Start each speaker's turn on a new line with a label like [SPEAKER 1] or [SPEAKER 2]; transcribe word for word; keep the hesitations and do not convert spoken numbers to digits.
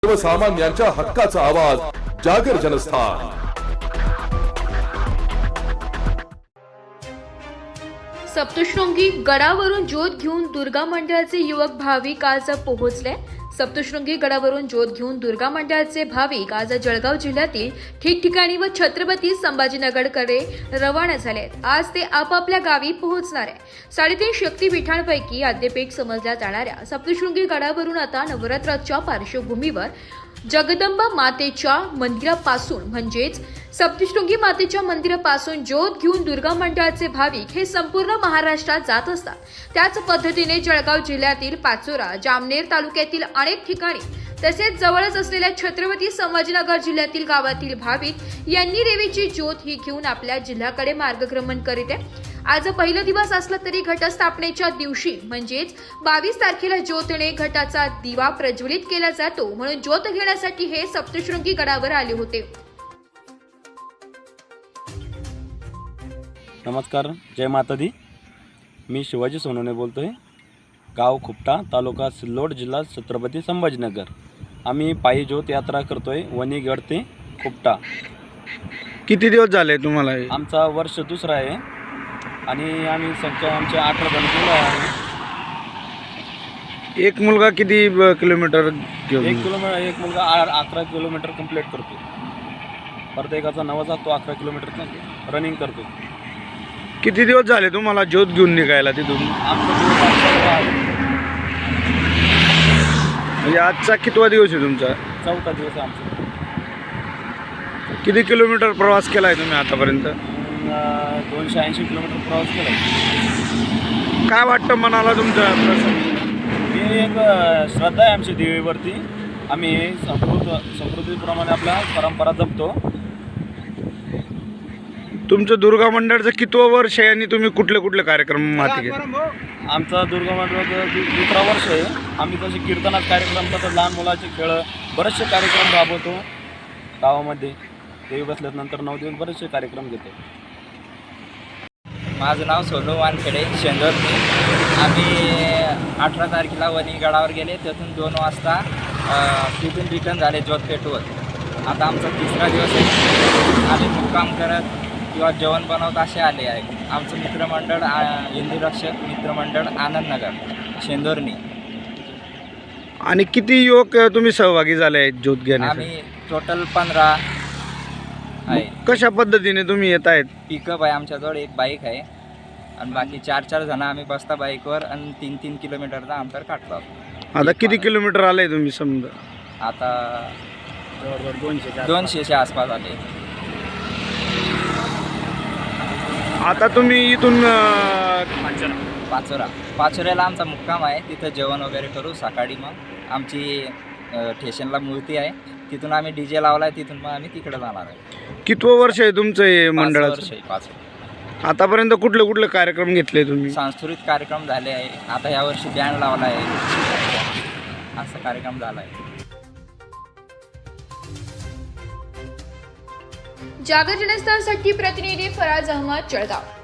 [SPEAKER 1] सर्वसामान्यांच्या हक्काचा आवाज जागर जनस्थान।
[SPEAKER 2] सप्तशृंगी गडावरून ज्योत घेऊन दुर्गा मंडळाचे युवक भाविक आज पोहोचले। सप्तशृंगी गडावरून ज्योत घेऊन दुर्गा मंडळाचे भाविक आज जळगाव जिल्ह्यातील ठिकठिकाणी व छत्रपती संभाजीनगरकडे रवाना झाले। आज ते आपापल्या गावी पोहोचणार आहे। साडेतीन शक्तीपीठांपैकी आद्यपीठ समजल्या जाणाऱ्या सप्तशृंगी गडावरून आता नवरात्राच्या पार्श्वभूमीवर जगदंबा मातेच्या मंदिरापासून म्हणजेच सप्तशृंगी मातेच्या मंदिरापासून ज्योत घेऊन दुर्गा मंडळाचे भाविक हे संपूर्ण महाराष्ट्रात जात असतात। त्याच पद्धतीने जळगाव जिल्ह्यातील पाचोरा, जामनेर तालुक्यातील अनेक ठिकाणी तसेच जवळच असलेल्या छत्रपती संभाजीनगर जिल्ह्यातील गावातील भाविक यांनी देवीची ज्योत ही घेऊन आपल्या जिल्ह्याकडे मार्गक्रमण करीत आहे। आज पहिला दिवस असला तरी घटस्थापनेच्या दिवशी म्हणजेच बावीस तारखेला ज्योतने घटाचा दिवा प्रज्वलित केला जातो, म्हणून ज्योत घेण्यासाठी हे सप्तशृंगी गडावर आले होते।
[SPEAKER 3] नमस्कार, जय माता दी। मी शिवाजी सोनवणे बोलतोय। गाव खुपटा, तालुका सिल्लोड, जिल्हा छत्रपती संभाजीनगर। आम्ही पायी ज्योत यात्रा करतोय वणीगड ते खुपटा।
[SPEAKER 4] किती दिवस झाले तुम्हाला?
[SPEAKER 3] आमचा वर्ष दुसरा आहे आणि आम्ही संख्या आमचे अठरा जण मुलं आहे।
[SPEAKER 4] एक मुलगा किती ब- किलोमीटर घेऊन?
[SPEAKER 3] एक किलोमीटर एक मुलगा आ- अकरा किलोमीटर कंप्लीट करतो। प्रत्येकाचा नवाचा तो अकरा किलोमीटर रनिंग करतो।
[SPEAKER 4] किती दिवस झाले तुम्हाला ज्योत घेऊन निघायला तिथून?
[SPEAKER 3] आमचा दिवस आजचा आहे,
[SPEAKER 4] म्हणजे आजचा कितवा दिवस आहे तुमचा?
[SPEAKER 3] चौथा दिवस आहे आमचा।
[SPEAKER 4] किती किलोमीटर प्रवास केला आहे तुम्ही आतापर्यंत?
[SPEAKER 3] अं, दोनशे ऐंशी किलोमीटर प्रवास केला।
[SPEAKER 4] काय वाटतं मनाला तुमच्या प्रसंगी?
[SPEAKER 3] ही एक अ, श्रद्धा आहे आमची देवीवरती। आम्ही संस्कृत संस्कृतीप्रमाणे आपल्या परंपरा जपतो।
[SPEAKER 4] तुमचं दुर्गा मंडळाचं कितवं वर्ष आहे आणि तुम्ही कुठले कुठले कार्यक्रम हाती घेता?
[SPEAKER 3] आमचा दुर्गा मंडळाचा दु- दुसरा वर्ष आहे। आम्ही तसे कीर्तनात कार्यक्रम तसंच लहान मुलाचे खेळ बरेचसे कार्यक्रम राबवतो गावामध्ये। देवी बसल्यानंतर नऊ दिवस बरेचसे कार्यक्रम घेतो।
[SPEAKER 5] माझं नाव सोनू वानखेडे, शेंदोरनी। आम्ही अठरा तारखेला वणीगडावर गेले, तिथून दोन वाजता अ, तिथून रिटर्न झाले ज्योत पेटवत। आता आमचा तिसरा दिवस आहे। आम्ही मुक्काम करत किंवा जेवण बनवत असे आले आहे। आमचं मित्रमंडळ आ, हिंदू रक्षक मित्रमंडळ आनंदनगर शेंदोरनी।
[SPEAKER 4] आणि किती युवक तुम्ही सहभागी झाले आहेत ज्योत घेण्यासाठी?
[SPEAKER 5] आम्ही टोटल पंधरा आहे।
[SPEAKER 4] कशा पद्धतीने तुम्ही येत आहेत?
[SPEAKER 5] पिकअप आहे आमच्याजवळ, एक बाईक आहे आणि बाकी चार चार जण आम्ही बसता बाईकवर आणि तीन तीन किलोमीटरचा अंतर काढतो।
[SPEAKER 4] आता किती किलोमीटर आले तुम्ही समजा?
[SPEAKER 5] आता
[SPEAKER 3] जवळजवळ दोनशे
[SPEAKER 5] दोनशेच्या आसपास आले। आता
[SPEAKER 4] आता तुम्ही इथून अं,
[SPEAKER 5] पाचोरा पाचोऱ्याला आमचा मुक्काम आहे, तिथं जेवण वगैरे करू सकाळी। मग आमची अ, स्टेशनला मूर्ती आहे, तिथून आम्ही डी जे लावला आहे, तिथून मग आम्ही तिकडे जाणार आहे।
[SPEAKER 4] कितवं वर्ष आहे तुमचं हे
[SPEAKER 5] पाच
[SPEAKER 4] मंडळाचं?
[SPEAKER 5] वर्ष आहे, पाच वर्ष।
[SPEAKER 4] आतापर्यंत कुठले कुठले कार्यक्रम घेतले तुम्ही?
[SPEAKER 5] सांस्कृतिक कार्यक्रम झाले आहे, आता यावर्षी बँड लावला आहे, असा कार्यक्रम झाला आहे।
[SPEAKER 2] जागर जनस्थानसाठी प्रतिनिधी फराज अहमद, जळगाव।